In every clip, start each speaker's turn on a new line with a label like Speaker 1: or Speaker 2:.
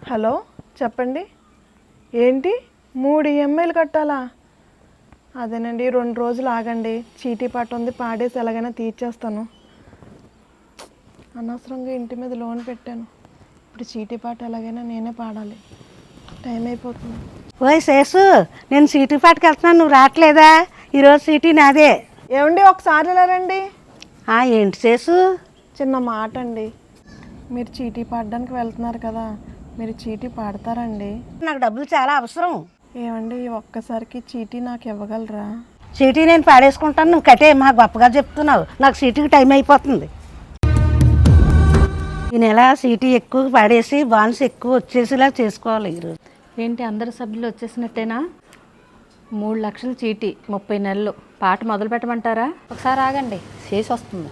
Speaker 1: Hello చెప్పండి. ఏంటి 3 ఈఎంఐలు కట్టాలా? అదేనండి 2 రోజులు ఆగండి. చీటీ పాట ఉంది, పాడేసి ఎలాగైనా తీర్చేస్తాను. అనవసరంగా ఇంటి మీద లోన్ పెట్టాను. ఇప్పుడు చీటీ పాట ఎలాగైనా నేనే పాడాలి. టైం అయిపోతుంది.
Speaker 2: ఓయ్ శేషు, నేను సీటీ పాటకి వెళ్తున్నాను, నువ్వు రావట్లేదా? ఈరోజు సీటీ నాదే.
Speaker 1: ఏమండి ఒకసారి ఇలా రండి.
Speaker 2: ఏంటి శేషు?
Speaker 1: చిన్న మాట అండి. మీరు చీటీ పాడడానికి వెళ్తున్నారు కదా, మీరు చీటీ పాడతారండి?
Speaker 2: నాకు డబ్బులు చాలా అవసరం.
Speaker 1: ఏమండి ఒక్కసారికి చీటీ నాకు ఇవ్వగలరా?
Speaker 2: సీటీ నేను పాడేసుకుంటాను, నువ్వు కట్టే. మా గొప్పగా చెప్తున్నావు, నాకు సీటీకి టైం అయిపోతుంది. ఈ నెల సీటీ ఎక్కువ పాడేసి బాన్స్ ఎక్కువ వచ్చేసేలా చేసుకోవాలి ఈరోజు.
Speaker 3: ఏంటి అందరు సభ్యులు వచ్చేసినట్టేనా? 3 లక్షల చీటీ 30 నెలలు. పాట మొదలు పెట్టమంటారా? ఒకసారి ఆగండి, శేషు వస్తుంది.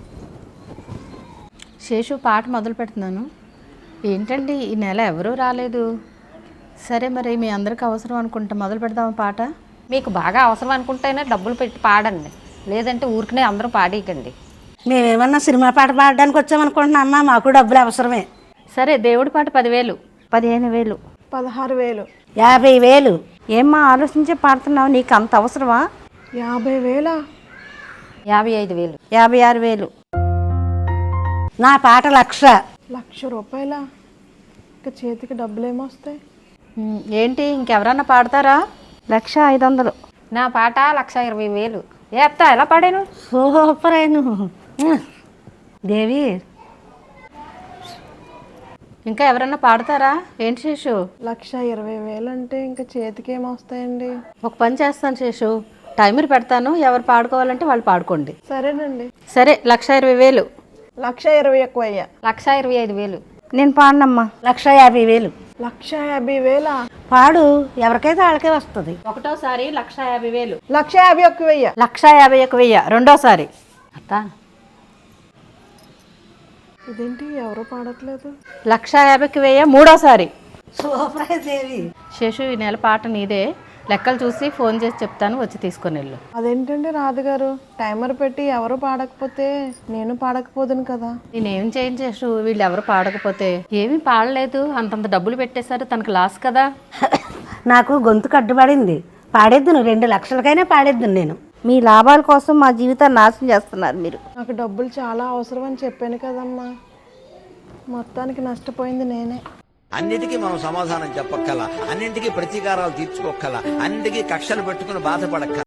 Speaker 3: శేషు పాట మొదలు పెడుతున్నాను. ఏంటండి ఈ నెల ఎవరూ రాలేదు? సరే మరి మీ అందరికి అవసరం అనుకుంటా మొదలు పెడదామా పాట?
Speaker 4: మీకు బాగా అవసరం అనుకుంటేనే డబ్బులు పెట్టి పాడండి, లేదంటే ఊరికనే అందరూ పాడేయకండి.
Speaker 2: మేమేమన్నా సినిమా పాట పాడడానికి వచ్చామనుకుంటున్నా అమ్మా, మాకు డబ్బులు అవసరమే.
Speaker 3: సరే దేవుడి పాట 10,000,
Speaker 4: 15,000,
Speaker 1: 16,000,
Speaker 2: 50,000.
Speaker 4: ఏమ్మా ఆలోచించే పాడుతున్నావు? నీకు అంత అవసరమా?
Speaker 1: 50,000,
Speaker 4: 55,000,
Speaker 2: 56,000. నా పాట 1,00,000.
Speaker 1: ₹1,00,000. ఇంకా చేతికి డబ్బులు ఏమొస్తాయి?
Speaker 3: ఏంటి ఇంకెవరన్నా పాడతారా?
Speaker 4: 1,500,000. నా పాట 1,20,000. ఏ అత్త ఎలా పాడాను?
Speaker 2: సూపర్ అయిను దేవి.
Speaker 3: ఇంకా ఎవరన్నా పాడతారా? ఏంటి శేషు?
Speaker 1: 1,20,000 అంటే ఇంకా చేతికి ఏమొస్తాయండి?
Speaker 3: ఒక పని చేస్తాను శేషు, టైమర్ పెడతాను, ఎవరు పాడుకోవాలంటే వాళ్ళు పాడుకోండి.
Speaker 1: సరేనండి.
Speaker 3: సరే 1,20,000.
Speaker 1: 1,20,000 ఎక్కువ అయ్యా.
Speaker 4: 1,25,000. నేను పాడనమ్మా.
Speaker 2: 1,50,000.
Speaker 1: 1,50,000.
Speaker 2: పాడు, ఎవరికైతే వాళ్ళకే వస్తుంది.
Speaker 3: ఒకటోసారి 1,50,000.
Speaker 1: 1,50,000 ఎక్కువ అయ్యా.
Speaker 3: 1,51,000 రెండోసారి. అత్త
Speaker 1: ఇదేంటి ఎవరో పాడట్లేదు?
Speaker 3: 1,50,000 మూడోసారి.
Speaker 2: సూపర్ అయ్యి దేవి.
Speaker 3: శేషు ఈ నెల పాట నీదే. లెక్కలు చూసి ఫోన్ చేసి చెప్తాను, వచ్చి తీసుకొని వెళ్ళు.
Speaker 1: అదేంటండి రాధగారు, టైమర్ పెట్టి ఎవరు పాడకపోతే నేను పాడకపోదును కదా.
Speaker 3: నేనేం చేయను శేషు, వీళ్ళు ఎవరు పాడకపోతే. ఏమీ పాడలేదు, అంతంత డబ్బులు పెట్టేశారు, తనకు లాస్ కదా.
Speaker 2: నాకు గొంతు కట్టుబడింది, పాడేద్దును. 2 లక్షలకైనా పాడేద్దును నేను.
Speaker 4: మీ లాభాల కోసం మా జీవితాన్ని నాశనం చేస్తున్నారు మీరు.
Speaker 1: నాకు డబ్బులు చాలా అవసరం అని చెప్పాను కదమ్మా. మొత్తానికి నష్టపోయింది నేనే.
Speaker 5: అన్నిటికీ మనం సమాధానం చెప్పక్కల, అన్నింటికీ ప్రతీకారాలు తీర్చుకోక్కల, అన్నింటికీ కక్షలు పెట్టుకుని బాధపడక్కల.